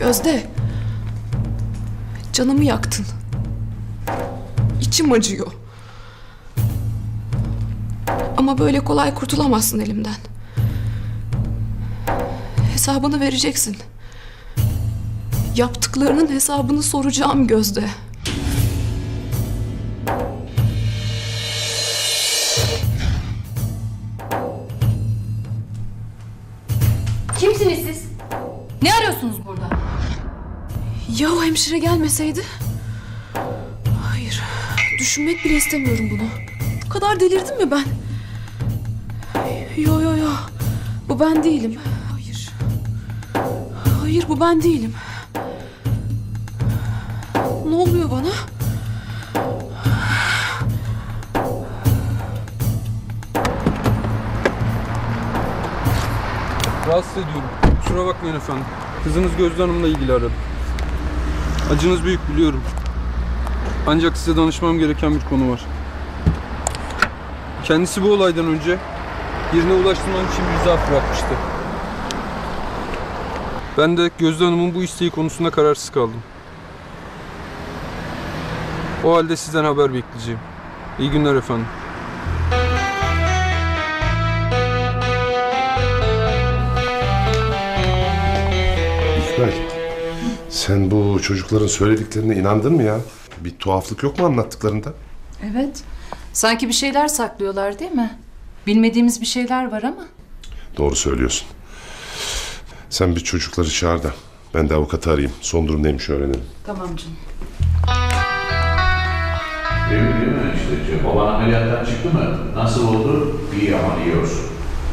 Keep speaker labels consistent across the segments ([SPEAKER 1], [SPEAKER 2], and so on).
[SPEAKER 1] Gözde. Canımı yaktın. İçim acıyor. Ama böyle kolay kurtulamazsın elimden. Hesabını vereceksin. Yaptıklarının hesabını soracağım Gözde.
[SPEAKER 2] Kimsiniz siz? Ne arıyorsunuz burada?
[SPEAKER 1] Ya o hemşire gelmeseydi? Hayır. Düşünmek bile istemiyorum bunu. Bu kadar delirdim mi ben? Yo. Bu ben değilim. Hayır. Hayır, bu ben değilim. Ne oluyor bana?
[SPEAKER 3] Rahatsız ediyorum. Kusura bakmayın efendim. Kızınız Gözde Hanım'la ilgili aradım. Acınız büyük biliyorum. Ancak size danışmam gereken bir konu var. Kendisi bu olaydan önce birine ulaştırmam için bir zarf bırakmıştı. Ben de Gözde Hanım'ın bu isteği konusunda kararsız kaldım. O halde sizden haber bekleyeceğim. İyi günler efendim.
[SPEAKER 4] İkbal, sen bu çocukların söylediklerine inandın mı ya? Bir tuhaflık yok mu anlattıklarında?
[SPEAKER 5] Evet. Sanki bir şeyler saklıyorlar değil mi? Bilmediğimiz bir şeyler var ama.
[SPEAKER 4] Doğru söylüyorsun. Sen bir çocukları çağır da ben de avukatı arayayım. Son durum neymiş öğrenelim.
[SPEAKER 5] Tamam canım.
[SPEAKER 6] Değil mi işte? Baban ameliyattan çıktı mı? Nasıl oldu? İyi ama iyi olsun.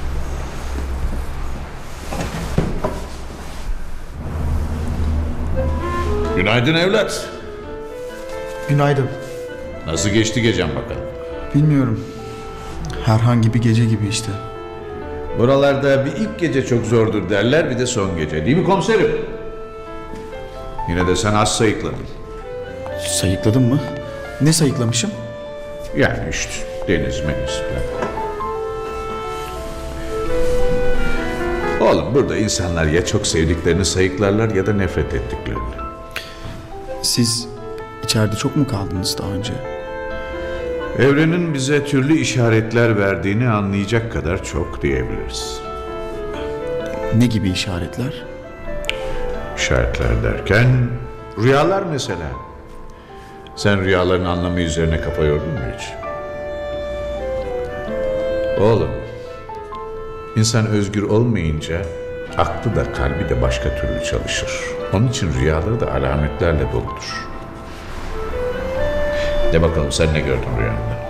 [SPEAKER 6] Günaydın evlat.
[SPEAKER 7] Günaydın.
[SPEAKER 6] Nasıl geçti gecen bakalım?
[SPEAKER 7] Bilmiyorum. Herhangi bir gece gibi işte.
[SPEAKER 6] Buralarda bir ilk gece çok zordur derler, bir de son gece. Değil mi komiserim? Yine de sen az sayıkladın.
[SPEAKER 7] Sayıkladın mı? Ne sayıklamışım?
[SPEAKER 6] Yani işte deniz meniz falan. Oğlum burada insanlar ya çok sevdiklerini sayıklarlar ya da nefret ettiklerini.
[SPEAKER 7] Siz içeride çok mu kaldınız daha önce?
[SPEAKER 6] Evrenin bize türlü işaretler verdiğini anlayacak kadar çok diyebiliriz.
[SPEAKER 7] Ne gibi işaretler?
[SPEAKER 6] İşaretler derken rüyalar mesela. Sen rüyaların anlamı üzerine kafa yordun mu hiç? Oğlum, insan özgür olmayınca aklı da kalbi de başka türlü çalışır. Onun için rüyaları da alametlerle doludur. De bakalım sen ne gördün rüyanda?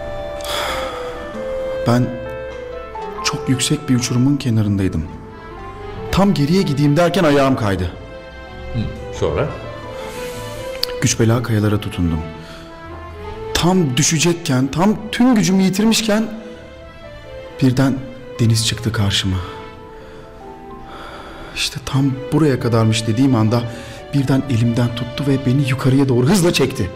[SPEAKER 7] Ben çok yüksek bir uçurumun kenarındaydım. Tam geriye gideyim derken ayağım kaydı.
[SPEAKER 6] Sonra?
[SPEAKER 7] Güç bela kayalara tutundum. Tam düşecekken, tam tüm gücümü yitirmişken birden deniz çıktı karşıma. İşte tam buraya kadarmış dediğim anda birden elimden tuttu ve beni yukarıya doğru hızla çekti.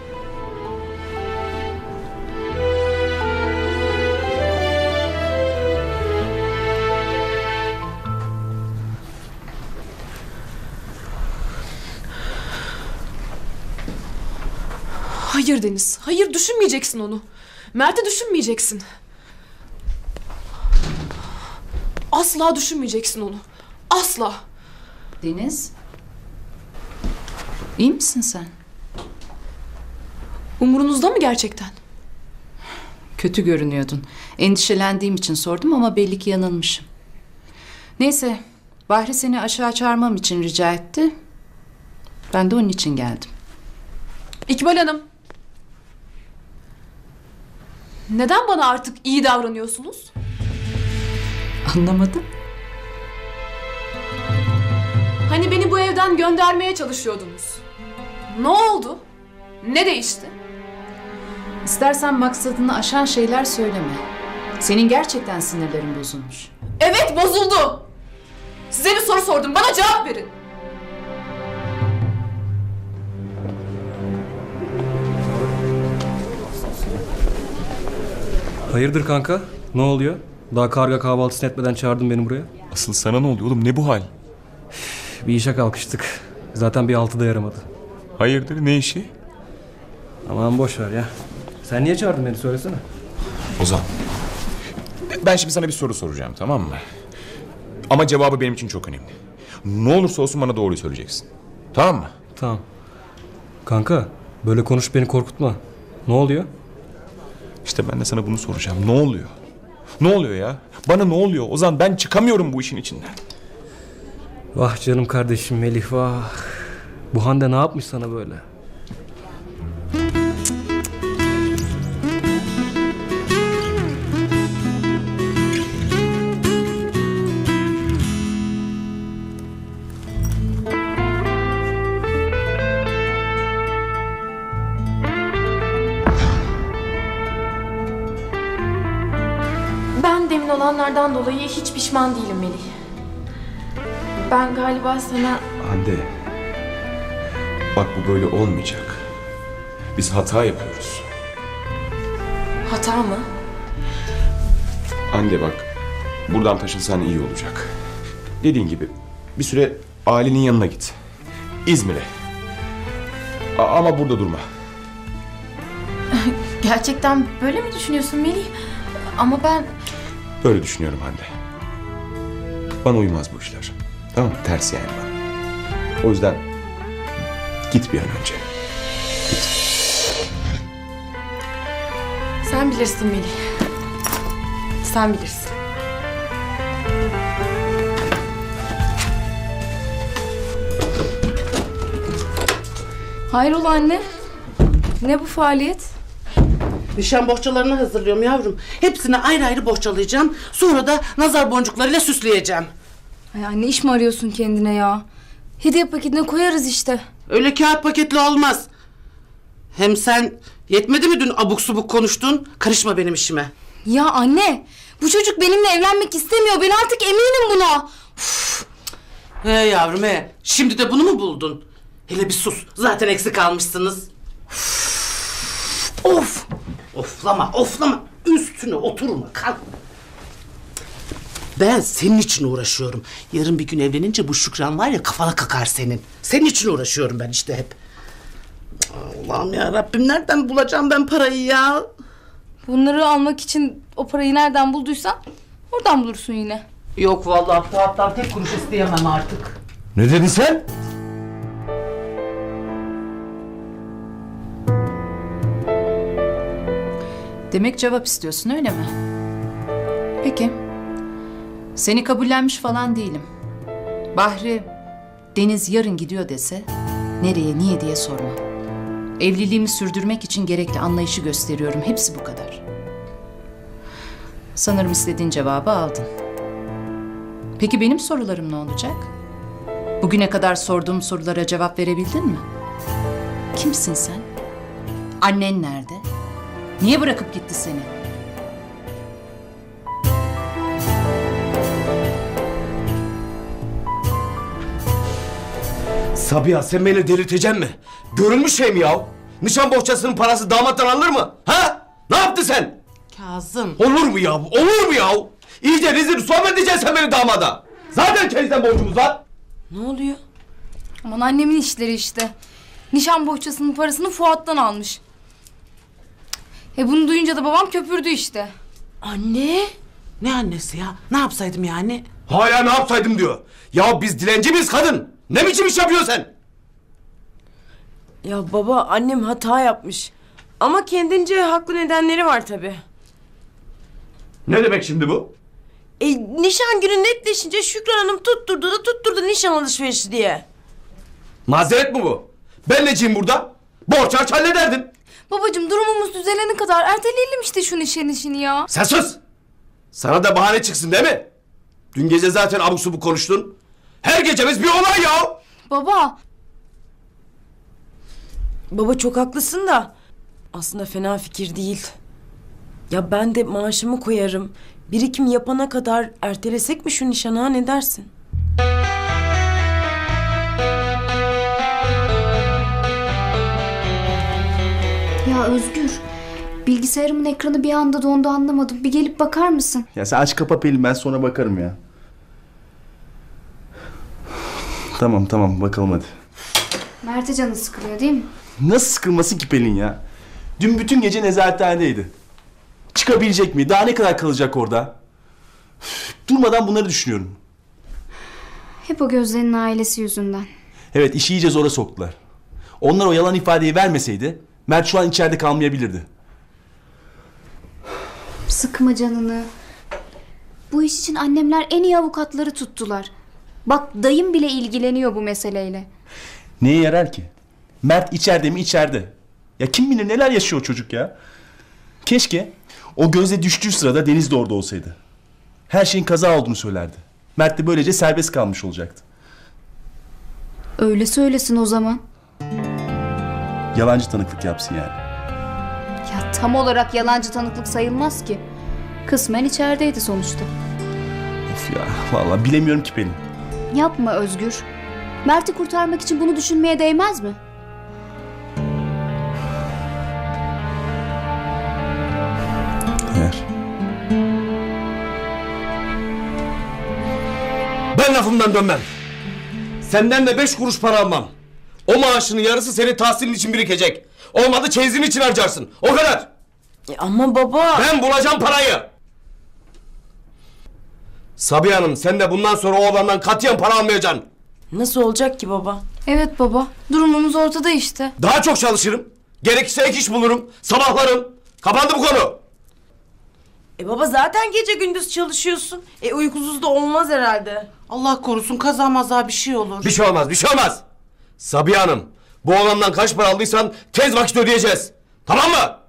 [SPEAKER 1] Hayır Deniz. Hayır, düşünmeyeceksin onu. Mert'i düşünmeyeceksin. Asla düşünmeyeceksin onu. Asla.
[SPEAKER 5] Deniz. İyi misin sen?
[SPEAKER 1] Umurunuzda mı gerçekten?
[SPEAKER 5] Kötü görünüyordun. Endişelendiğim için sordum ama belli ki yanılmışım. Neyse, Bahri seni aşağı çağırmam için rica etti. Ben de onun için geldim.
[SPEAKER 1] İkbal Hanım. Neden bana artık iyi davranıyorsunuz?
[SPEAKER 5] Anlamadım.
[SPEAKER 1] Hani beni bu evden göndermeye çalışıyordunuz. Ne oldu? Ne değişti?
[SPEAKER 5] İstersen maksadını aşan şeyler söyleme. Senin gerçekten sinirlerin bozulmuş.
[SPEAKER 1] Evet, bozuldu. Size bir soru sordum. Bana cevap verin.
[SPEAKER 8] Hayırdır kanka? Ne oluyor? Daha karga kahvaltısını etmeden çağırdın beni buraya.
[SPEAKER 9] Asıl sana ne oluyor oğlum? Ne bu hal?
[SPEAKER 8] Bir işe kalkıştık. Zaten bir altı da yaramadı.
[SPEAKER 9] Hayırdır, ne işi?
[SPEAKER 8] Aman boş ver ya. Sen niye çağırdın beni söylesene.
[SPEAKER 9] Ozan. Ben şimdi sana bir soru soracağım, tamam mı? Ama cevabı benim için çok önemli. Ne olursa olsun bana doğruyu söyleyeceksin. Tamam mı?
[SPEAKER 8] Tamam. Kanka böyle konuş beni korkutma. Ne oluyor?
[SPEAKER 9] İşte ben de sana bunu soracağım. Ne oluyor? Ne oluyor ya? Bana ne oluyor? Ozan, ben çıkamıyorum bu işin içinden.
[SPEAKER 8] Vah canım kardeşim Melih vah. Bu Hande ne yapmış sana böyle?
[SPEAKER 10] Ben demin olanlardan dolayı hiç pişman değilim Melih. Ben galiba sana...
[SPEAKER 9] Hande. Bak, bu böyle olmayacak. Biz hata yapıyoruz.
[SPEAKER 10] Hata mı?
[SPEAKER 9] Hande bak, buradan taşınsan iyi olacak. Dediğin gibi bir süre ailenin yanına git. İzmir'e. Ama burada durma.
[SPEAKER 10] Gerçekten böyle mi düşünüyorsun Melih? Ama ben...
[SPEAKER 9] Böyle düşünüyorum Hande. Bana uymaz bu işler. Tamam mı? Ters yani bana. O yüzden git bir an önce. Git.
[SPEAKER 10] Sen bilirsin Melih. Sen bilirsin.
[SPEAKER 2] Hayrola anne? Ne bu faaliyet?
[SPEAKER 11] Nişan bohçalarını hazırlıyorum yavrum. Hepsini ayrı ayrı bohçalayacağım. Sonra da nazar boncuklarıyla süsleyeceğim.
[SPEAKER 2] Ay anne, iş mi arıyorsun kendine ya? Hediye paketine koyarız işte.
[SPEAKER 11] Öyle kağıt paketli olmaz. Hem sen yetmedi mi dün abuk subuk konuştun? Karışma benim işime.
[SPEAKER 2] Ya anne, bu çocuk benimle evlenmek istemiyor. Ben artık eminim buna.
[SPEAKER 11] He yavrum he. Şimdi de bunu mu buldun? Hele bir sus. Zaten eksik kalmışsınız. Of! Oflama, oflama. Üstüne oturma, kalk. Ben senin için uğraşıyorum. Yarın bir gün evlenince bu Şükran var ya, kafana kakar senin. Senin için uğraşıyorum ben işte hep. Allah'ım ya Rabbim, nereden bulacağım ben parayı ya?
[SPEAKER 2] Bunları almak için o parayı nereden bulduysan oradan bulursun yine.
[SPEAKER 11] Yok vallahi, Fuat'tan tek kuruş isteyemem artık.
[SPEAKER 9] Ne dedin sen?
[SPEAKER 5] Demek cevap istiyorsun öyle mi? Peki. Seni kabullenmiş falan değilim. Bahri, Deniz yarın gidiyor dese nereye niye diye sorma. Evliliğimi sürdürmek için gerekli anlayışı gösteriyorum. Hepsi bu kadar. Sanırım istediğin cevabı aldın. Peki benim sorularım ne olacak? Bugüne kadar sorduğum sorulara cevap verebildin mi? Kimsin sen? Annen nerede? Niye bırakıp gitti seni?
[SPEAKER 12] Sabiha, sen beni delirteceksin mi? Görülmüş şey mi ya? Nişan bohçasının parası damattan alınır mı? Ha? Ne yaptın sen?
[SPEAKER 11] Kazım.
[SPEAKER 12] Olur mu ya? Olur mu ya? İyice rezil rüsva mı edeceksin sen beni damada? Zaten kendisinden borcumuz var.
[SPEAKER 11] Ne oluyor?
[SPEAKER 2] Aman annemin işleri işte. Nişan bohçasının parasını Fuat'tan almış. Bunu duyunca da babam köpürdü işte.
[SPEAKER 11] Anne? Ne annesi ya? Ne yapsaydım yani?
[SPEAKER 12] Hala ne yapsaydım diyor. Ya biz dilenci miyiz kadın? Ne biçim iş yapıyorsun sen?
[SPEAKER 13] Ya baba, annem hata yapmış. Ama kendince haklı nedenleri var tabii.
[SPEAKER 12] Ne demek şimdi bu?
[SPEAKER 13] Nişan günü netleşince Şükran Hanım tutturdu nişan alışverişi diye.
[SPEAKER 12] Mazeret mi bu? Ben neciyim burada? Borç harç hallederdin.
[SPEAKER 2] Babacığım, durumumuz düzelene kadar erteleyelim işte şu nişan işini ya.
[SPEAKER 12] Sen sus! Sana da bahane çıksın değil mi? Dün gece zaten abuk subuk konuştun. Her gecemiz bir olay ya!
[SPEAKER 2] Baba.
[SPEAKER 13] Baba çok haklısın da aslında fena fikir değil. Ya ben de maaşımı koyarım. Birikim yapana kadar ertelesek mi şu nişanı, ha, ne dersin?
[SPEAKER 14] Ya Özgür, bilgisayarımın ekranı bir anda dondu, anlamadım. Bir gelip bakar mısın?
[SPEAKER 7] Ya sen aç kapa Pelin, ben sonra bakarım ya. Tamam bakalım hadi.
[SPEAKER 14] Mert'e canı sıkılıyor değil mi?
[SPEAKER 7] Nasıl sıkılmasın ki Pelin ya? Dün bütün gece nezarethanedeydi. Çıkabilecek mi? Daha ne kadar kalacak orada? Üf, durmadan bunları düşünüyorum.
[SPEAKER 14] Hep o Gözde'nin ailesi yüzünden.
[SPEAKER 7] Evet, işi iyice zora soktular. Onlar o yalan ifadeyi vermeseydi Mert şu an içeride kalmayabilirdi.
[SPEAKER 14] Sıkma canını. Bu iş için annemler en iyi avukatları tuttular. Bak dayım bile ilgileniyor bu meseleyle.
[SPEAKER 7] Neye yarar ki? Mert içeride mi içeride? Ya kim bilir neler yaşıyor o çocuk ya. Keşke o Gözde düştüğü sırada Deniz de orada olsaydı. Her şeyin kaza olduğunu söylerdi. Mert de böylece serbest kalmış olacaktı.
[SPEAKER 14] Öyle söylesin o zaman.
[SPEAKER 7] Yalancı tanıklık yapsın yani.
[SPEAKER 14] Ya tam olarak yalancı tanıklık sayılmaz ki. Kısmen içerideydi sonuçta.
[SPEAKER 7] Of ya, vallahi bilemiyorum ki Pelin.
[SPEAKER 14] Yapma Özgür. Mert'i kurtarmak için bunu düşünmeye değmez mi?
[SPEAKER 7] Eğer.
[SPEAKER 12] Ben lafımdan dönmem. Senden de 5 kuruş para almam. O maaşının yarısı senin tahsilin için birikecek. Olmadı çeyizin için harcarsın. O kadar.
[SPEAKER 13] Ama baba...
[SPEAKER 12] Ben bulacağım parayı. Sabiha Hanım, sen de bundan sonra o oğlandan katiyen para almayacaksın.
[SPEAKER 13] Nasıl olacak ki baba?
[SPEAKER 2] Evet baba. Durumumuz ortada işte.
[SPEAKER 12] Daha çok çalışırım. Gerekirse ek iş bulurum. Sabahlarım. Kapandı bu konu.
[SPEAKER 13] Baba zaten gece gündüz çalışıyorsun. Uykusuz da olmaz herhalde.
[SPEAKER 11] Allah korusun kaza maza bir şey olur.
[SPEAKER 12] Bir şey olmaz, bir şey olmaz. Sabiha Hanım, bu oğlandan kaç para aldıysan tez vakit ödeyeceğiz. Tamam mı?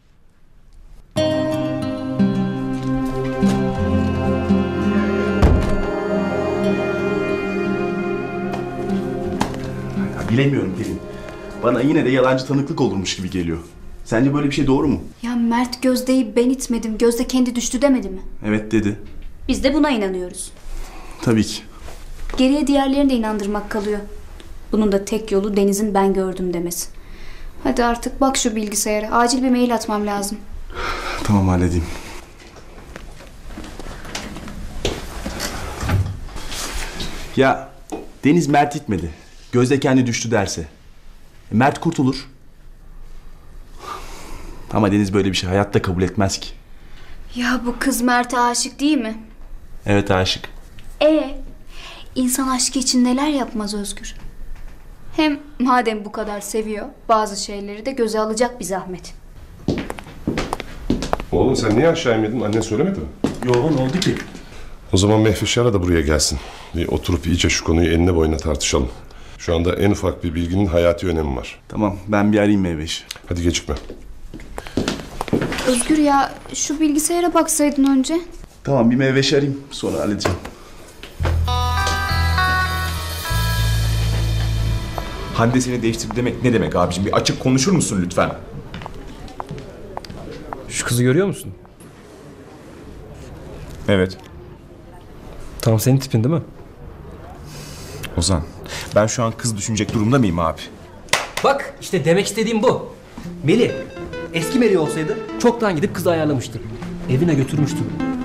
[SPEAKER 7] Ya bilemiyorum Pelin. Bana yine de yalancı tanıklık olurmuş gibi geliyor. Sence böyle bir şey doğru mu?
[SPEAKER 14] Ya Mert Gözde'yi ben itmedim. Gözde kendi düştü demedi mi?
[SPEAKER 7] Evet dedi.
[SPEAKER 14] Biz de buna inanıyoruz.
[SPEAKER 7] Tabii ki.
[SPEAKER 14] Geriye diğerlerini de inandırmak kalıyor. Bunun da tek yolu Deniz'in ben gördüm demesi. Hadi artık bak şu bilgisayara. Acil bir mail atmam lazım.
[SPEAKER 7] Tamam halledeyim. Ya Deniz Mert itmedi. Gözde kendi düştü derse. Mert kurtulur. Ama Deniz böyle bir şey hayatta kabul etmez ki.
[SPEAKER 14] Ya bu kız Mert'e aşık değil mi?
[SPEAKER 7] Evet aşık.
[SPEAKER 14] İnsan aşkı için neler yapmaz Özgür? Hem madem bu kadar seviyor, bazı şeyleri de göze alacak bir zahmet.
[SPEAKER 4] Oğlum sen niye aşağı inmedin? Annen söylemedi mi?
[SPEAKER 7] Yok ne oldu ki?
[SPEAKER 4] O zaman Mehveşar'a da buraya gelsin. Bir oturup iyice şu konuyu enine boyuna tartışalım. Şu anda en ufak bir bilginin hayati önemi var.
[SPEAKER 7] Tamam ben bir arayayım Mehveş.
[SPEAKER 4] Hadi gecikme.
[SPEAKER 14] Özgür ya şu bilgisayara baksaydın önce.
[SPEAKER 7] Tamam bir Mehveş arayayım sonra halledeceğim.
[SPEAKER 9] Hande seni değiştirdi demek ne demek abicim? Bir açık konuşur musun lütfen?
[SPEAKER 8] Şu kızı görüyor musun?
[SPEAKER 9] Evet.
[SPEAKER 8] Tam senin tipin değil mi?
[SPEAKER 9] Ozan, ben şu an kız düşünecek durumda mıyım abi?
[SPEAKER 8] Bak işte demek istediğim bu. Melih, eski Melih olsaydı çoktan gidip kızı ayarlamıştı. Evine götürmüştü.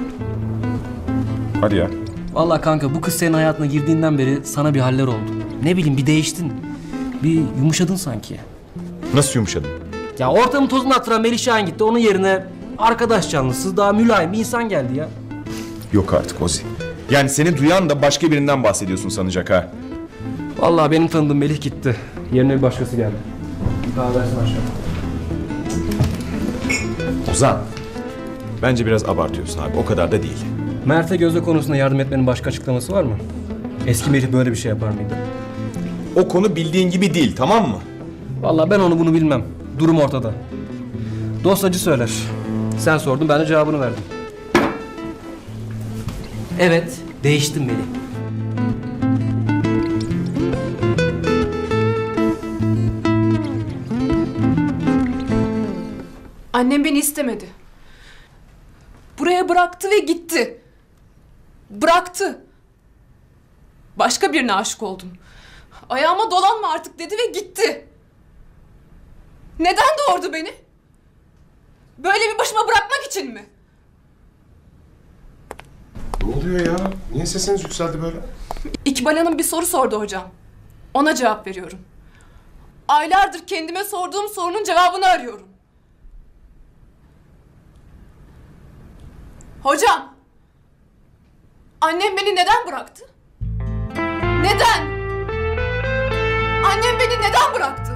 [SPEAKER 9] Hadi ya.
[SPEAKER 8] Vallahi kanka bu kız senin hayatına girdiğinden beri sana bir haller oldu. Ne bileyim bir değiştin. Bir yumuşadın sanki.
[SPEAKER 9] Nasıl yumuşadın?
[SPEAKER 8] Ya ortamı tozunu attıran Melih Şahin gitti. Onun yerine arkadaş canlısı daha mülayim bir insan geldi ya.
[SPEAKER 9] Yok artık Ozi. Yani seni duyan da başka birinden bahsediyorsun sanacak ha.
[SPEAKER 8] Vallahi benim tanıdığım Melih gitti. Yerine bir başkası geldi. Bir kahve versin aşağı.
[SPEAKER 9] Ozan. Bence biraz abartıyorsun abi. O kadar da değil.
[SPEAKER 8] Mert'e Gözde konusunda yardım etmenin başka açıklaması var mı? Eski Melih böyle bir şey yapar mıydı?
[SPEAKER 9] O konu bildiğin gibi değil, tamam mı?
[SPEAKER 8] Vallahi ben onu bunu bilmem. Durum ortada. Dostacı söyler. Sen sordun ben de cevabını verdim. Evet, değiştim Melih.
[SPEAKER 1] Annem beni istemedi. Buraya bıraktı ve gitti. Bıraktı. Başka birine aşık oldum. Ayağıma dolanma artık dedi ve gitti. Neden doğurdu beni? Böyle bir başıma bırakmak için mi?
[SPEAKER 4] Ne oluyor ya? Niye sesiniz yükseldi böyle?
[SPEAKER 1] İkbal Hanım bir soru sordu hocam. Ona cevap veriyorum. Aylardır kendime sorduğum sorunun cevabını arıyorum. Hocam! Annem beni neden bıraktı? Neden? Annem beni neden bıraktı?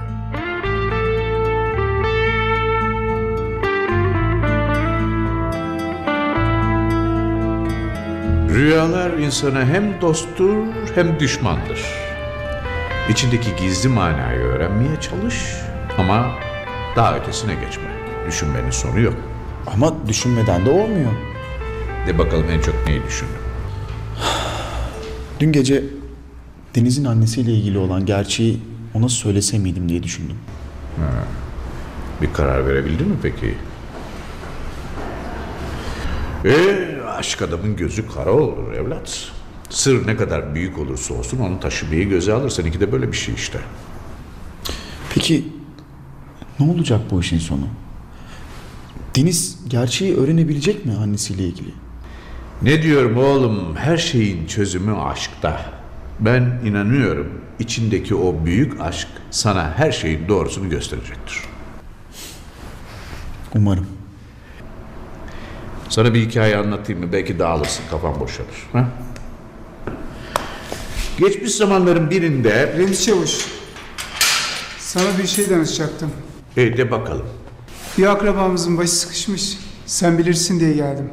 [SPEAKER 6] Rüyalar insana hem dosttur hem düşmandır. İçindeki gizli manayı öğrenmeye çalış ama daha ötesine geçme. Düşünmenin sonu yok.
[SPEAKER 15] Ama düşünmeden de olmuyor.
[SPEAKER 6] De bakalım en çok neyi düşündün?
[SPEAKER 15] Dün gece Deniz'in annesiyle ilgili olan gerçeği ona söylese miydim diye düşündüm.
[SPEAKER 6] Bir karar verebildin mi peki? Aşk adamın gözü kara olur evlat. Sır ne kadar büyük olursa olsun onu taşımayı göze alır. Seninki de böyle bir şey işte.
[SPEAKER 15] Peki ne olacak bu işin sonu? Deniz gerçeği öğrenebilecek mi annesiyle ilgili?
[SPEAKER 6] Ne diyorum oğlum? Her şeyin çözümü aşkta. Ben inanıyorum içindeki o büyük aşk sana her şeyin doğrusunu gösterecektir.
[SPEAKER 15] Umarım.
[SPEAKER 6] Sana bir hikaye anlatayım mı? Belki dağılırsın, kafan boşalır. Ha? Geçmiş zamanların birinde...
[SPEAKER 16] Remzi Çavuş, sana bir şey danışacaktım.
[SPEAKER 6] De bakalım.
[SPEAKER 16] Bir akrabamızın başı sıkışmış. Sen bilirsin diye geldim.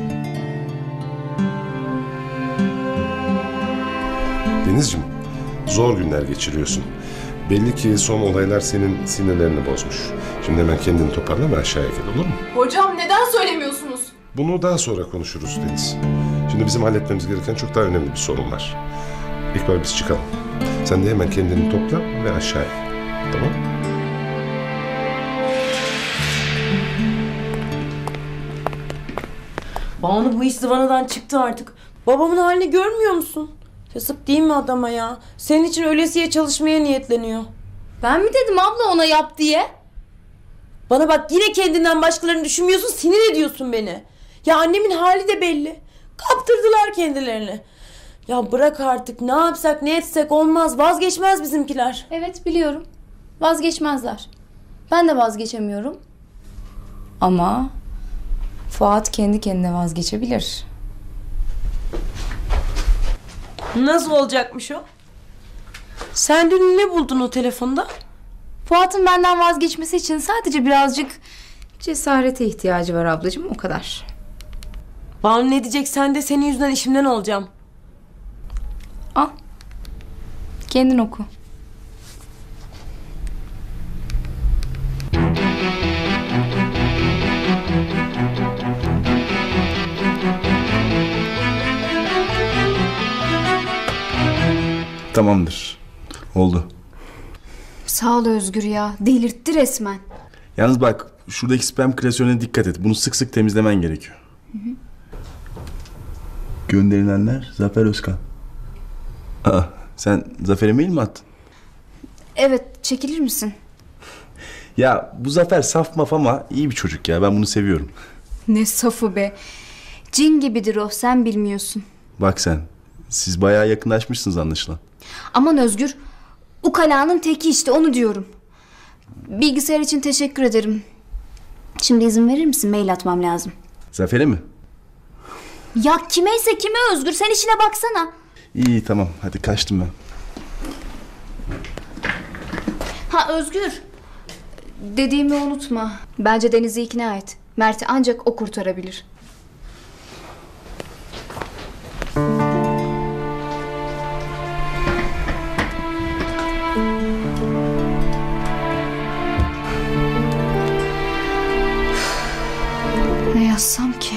[SPEAKER 4] Denizciğim, zor günler geçiriyorsun. Belli ki son olaylar senin sinirlerini bozmuş. Şimdi hemen kendini toparla ve aşağıya gel, olur mu?
[SPEAKER 1] Hocam neden söylemiyorsunuz?
[SPEAKER 4] Bunu daha sonra konuşuruz Deniz. Şimdi bizim halletmemiz gereken çok daha önemli bir sorun var. İkbal biz çıkalım. Sen de hemen kendini topla ve aşağıya gel. Tamam?
[SPEAKER 13] Banu bu iş zıvanadan çıktı artık. Babamın halini görmüyor musun? Yazık değil mi adama ya? Senin için ölesiye çalışmaya niyetleniyor.
[SPEAKER 2] Ben mi dedim abla ona yap diye?
[SPEAKER 13] Bana bak, yine kendinden başkalarını düşünmüyorsun, sinir ediyorsun beni. Ya annemin hali de belli. Kaptırdılar kendilerini. Ya bırak artık, ne yapsak ne etsek olmaz, vazgeçmez bizimkiler.
[SPEAKER 2] Evet biliyorum. Vazgeçmezler. Ben de vazgeçemiyorum. Ama Fuat kendi kendine vazgeçebilir.
[SPEAKER 13] Nasıl olacakmış o? Sen dün ne buldun o telefonda?
[SPEAKER 2] Fuat'ın benden vazgeçmesi için sadece birazcık cesarete ihtiyacı var ablacığım, o kadar.
[SPEAKER 13] Banu ne diyecek, sen de senin yüzünden işimden olacağım.
[SPEAKER 2] Al. Kendin oku.
[SPEAKER 7] Tamamdır. Oldu.
[SPEAKER 14] Sağ ol Özgür ya. Delirtti resmen.
[SPEAKER 7] Yalnız bak, şuradaki spam klasörüne dikkat et. Bunu sık sık temizlemen gerekiyor. Gönderilenler Zafer Özkan. Aa, sen Zafer'e mail mi attın?
[SPEAKER 14] Evet, çekilir misin?
[SPEAKER 7] Ya bu Zafer saf maf ama iyi bir çocuk ya. Ben bunu seviyorum.
[SPEAKER 14] Ne safı be. Cin gibidir o, sen bilmiyorsun.
[SPEAKER 7] Bak sen, siz bayağı yakınlaşmışsınız anlaşılan.
[SPEAKER 14] Aman Özgür, ukalanın teki işte, onu diyorum. Bilgisayar için teşekkür ederim. Şimdi izin verir misin? Mail atmam lazım.
[SPEAKER 7] Zafer'e mi?
[SPEAKER 14] Ya kimeyse kime Özgür, sen işine baksana.
[SPEAKER 7] İyi tamam, hadi kaçtım ben.
[SPEAKER 14] Ha Özgür, dediğimi unutma. Bence Deniz'i ikna et. Mert'i ancak o kurtarabilir. Ne yazsam ki?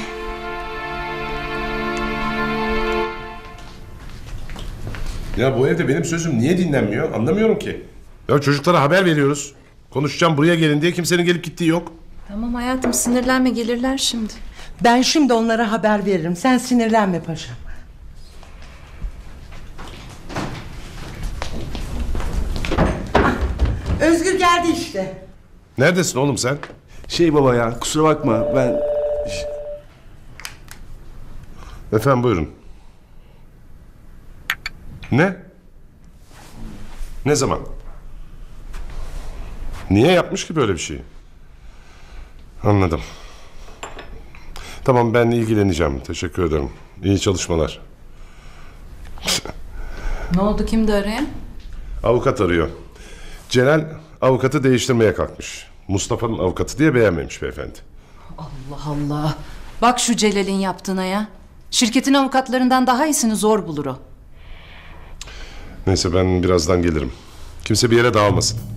[SPEAKER 4] Ya bu evde benim sözüm niye dinlenmiyor anlamıyorum ki. Ya çocuklara haber veriyoruz. Konuşacağım buraya gelin diye, kimsenin gelip gittiği yok.
[SPEAKER 5] Tamam hayatım, sinirlenme, gelirler şimdi.
[SPEAKER 11] Ben şimdi onlara haber veririm. Sen sinirlenme paşam. Özgür geldi işte.
[SPEAKER 4] Neredesin oğlum sen?
[SPEAKER 7] Baba ya, kusura bakma ben...
[SPEAKER 4] Efendim buyurun. Ne? Ne zaman? Niye yapmış ki böyle bir şeyi? Anladım. Tamam, ben ilgileneceğim. Teşekkür ederim. İyi çalışmalar.
[SPEAKER 5] Ne oldu, kimdi arayan?
[SPEAKER 4] Avukat arıyor. Celal avukatı değiştirmeye kalkmış. Mustafa'nın avukatı diye beğenmemiş beyefendi.
[SPEAKER 5] Allah Allah. Bak şu Celal'in yaptığına ya. Şirketin avukatlarından daha iyisini zor bulur o.
[SPEAKER 4] Neyse, ben birazdan gelirim. Kimse bir yere dağılmasın.